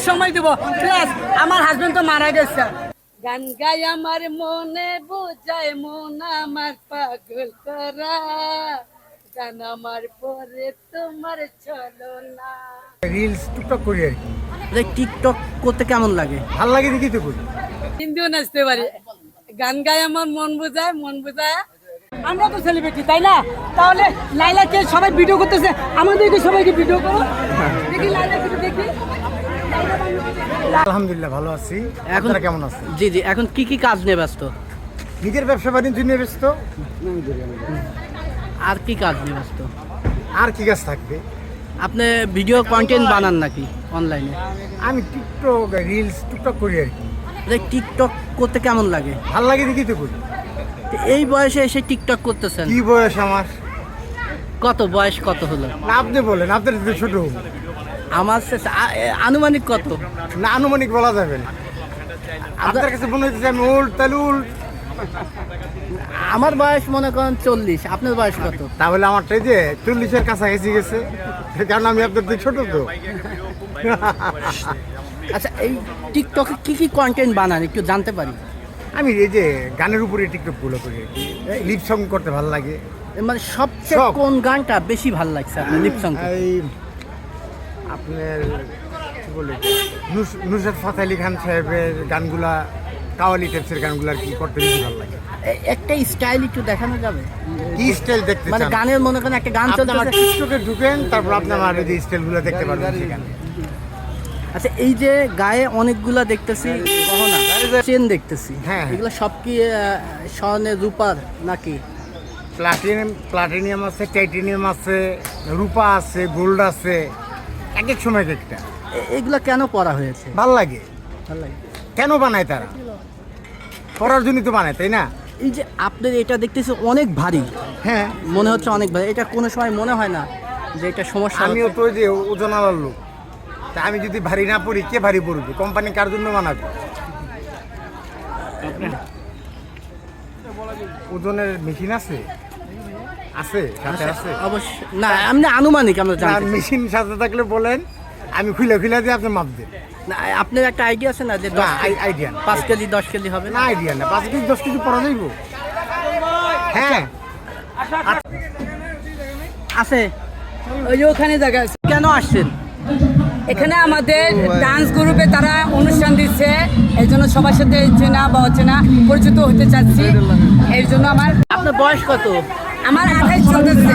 সময় দেবো প্লাস আমার হাজবেন্ড তো মারা গেছে। গান গাই আমার মনে বোঝায় মন আমার পাগল করা, গান আমার পরে তোমার চলো না। রিলস টুকটাক করি আর কি। টিকটক করতে কেমন লাগে? ভাল লাগে দেখি তো করি। হিন্দিও নাচতে পারি। গান গাই আমার মন বোঝায় আমরা তো সেলিব্রিটি তাই না? তাহলে লাইলাকে সবাই ভিডিও করতেছে, আমাদেরকে সবাইকে ভিডিও করো দেখি, লাইলা কিছু দেখি। আলহামদুলিল্লাহ ভালো আছি। এখন আপনারা কেমন আছেন? জি জি, এখন কি কি কাজ নিয়ে ব্যস্ত? নিজের ব্যবসা বাণিজ্য নিয়ে ব্যস্ত। আর কি কাজ নিয়ে ব্যস্ত? আর কি কাজ থাকবে? আপনি ভিডিও কন্টেন্ট বানান নাকি অনলাইনে? আমি টিকটক রিলস টুকটাক করি আর কি। টিকটক করতে কেমন লাগে? ভাল লাগে দেখি তো করি। তো এই বয়সে এসে টিকটক করতেছেন, কি বয়স আমার? কত বয়স কত হলো? না আপনি বলেন, আপনার তো ছোট। আমার আনুমানিক কত? না আনুমানিক বলা যাবে না। আপনার কাছে মনে হচ্ছে আমি ওল্ড, তাহলে ওল্ড। আমার বয়স মনে করেন 40, আপনার বয়স কত? তাহলে আমারটাই যে 40-এর কাছাকাছি গেছে, কারণ আমি আপনার থেকে ছোট তো। আচ্ছা, এই টিকটকে কি কি কন্টেন্ট বানান একটু জানতে পারি? আমি এই যে গানের উপরে টিকটক গুলো করি আর কি। লিপ সং করতে ভালো লাগে। মানে সবচেয়ে সব। কোন গানটা বেশি ভালো লাগছে আপনার লিপ সং? এই আপনার কি বলে নুসরাত ফাতে আলী খান সাহেবের গানগুলা, কাওয়ালি টাইপসের গানগুলো আর কি করতে বেশি ভালো লাগে। একটা স্টাইল একটু দেখানো যাবে? কি স্টাইল দেখতে মানে চান? গানের মনে করেন একটা গান আপনি আমার চলতেছে। টিকটকে ঢুকেন, তারপর আপনি আমার এই যে স্টাইলগুলো দেখতে পারবেন সেখানে। আচ্ছা, এই যে গায়ে অনেকগুলা দেখতেছি গহনা, চেন দেখতেছি, হ্যাঁ। এগুলো সব কি স্বর্ণের রূপার নাকি? প্লাটিনিয়াম আছে, টাইটেনিয়াম আছে, রূপা আছে, গোল্ড আছে, এক এক সময় এক একটা। এগুলা কেন পরা হয়েছে? ভাল লাগে। ভালো লাগে। কেন বানায় তারা? পড়ার জন্যই তো বানায়, তাই না? এই যে আপনার এটা দেখতেছি অনেক ভারী, হ্যাঁ, মনে হচ্ছে অনেক ভারী। এটা কোনো সময় মনে হয় না যে এটা সমস্যা আমিও হচ্ছে? তো ওই যে ওজন আলার লোক। তা আমি যদি ভারী না পড়ি, কে ভারী পড়বে? কোম্পানি কার জন্য বানাবে? ওজনের মেশিন আছে? আছে, সাথে আছে। অবশ্য না, আপনি আনুমানিক আমরা জানতে চাই। মেশিন সাথে থাকলে বলেন, আমি খুলে দিয়ে আপনি মাপ দেন। না, আপনার একটা আইডিয়া আছে না যে না, আইডিয়া না। 5 কেজি 10 কেজি হবে না, আইডিয়া না। 5 কেজি 10 কেজি পড়া যাইব? হ্যাঁ আছে। ওই যে ওখানে জায়গা আছে। কেন আসছেন? এখানে আমাদের ডান্স গ্রুপে তারা অনুষ্ঠান দিচ্ছে, এই জন্য সবার সাথে চেনা বা অচেনা পরিচিত হতে চাচ্ছি। এর জন্য আপনার বয়স কত? আমার 28 চলতেছে।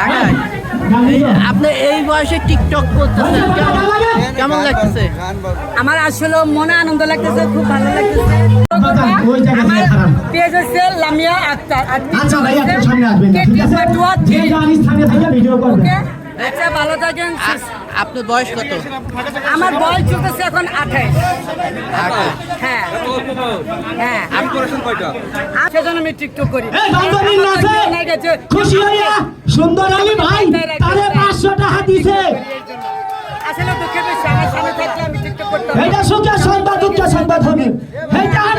আপনি এই বয়সে টিকটক করতেছেন, কেমন লাগতেছে? আমার আসলে মনে আনন্দ লাগতেছে, খুব ভালো লাগতেছে। আমার পেজ হচ্ছে লামিয়া আক্তার, আর আচ্ছা ভাই, আপনি সামনে আসবেন না, ঠিক আছে? যে যার স্থানে থেকে ভিডিও করবেন। ওকে, আচ্ছা ভালো থাকেন। আপনার বয়স কত? আমার বয়স চলতেছে এখন 28। হ্যাঁ হ্যাঁ, সেজন্য আমি টিকটক করি। এই বান্ধবীর নাচে খুশি হইয়া সুন্দর আলী ভাই তারে 500 টাকা দিছে। আসলে দুঃখের বিষয়, আমার সামনে থাকলে আমি টিকটক করতাম। এটা সুখের সংবাদ, দুঃখের সংবাদ হবে। এইটা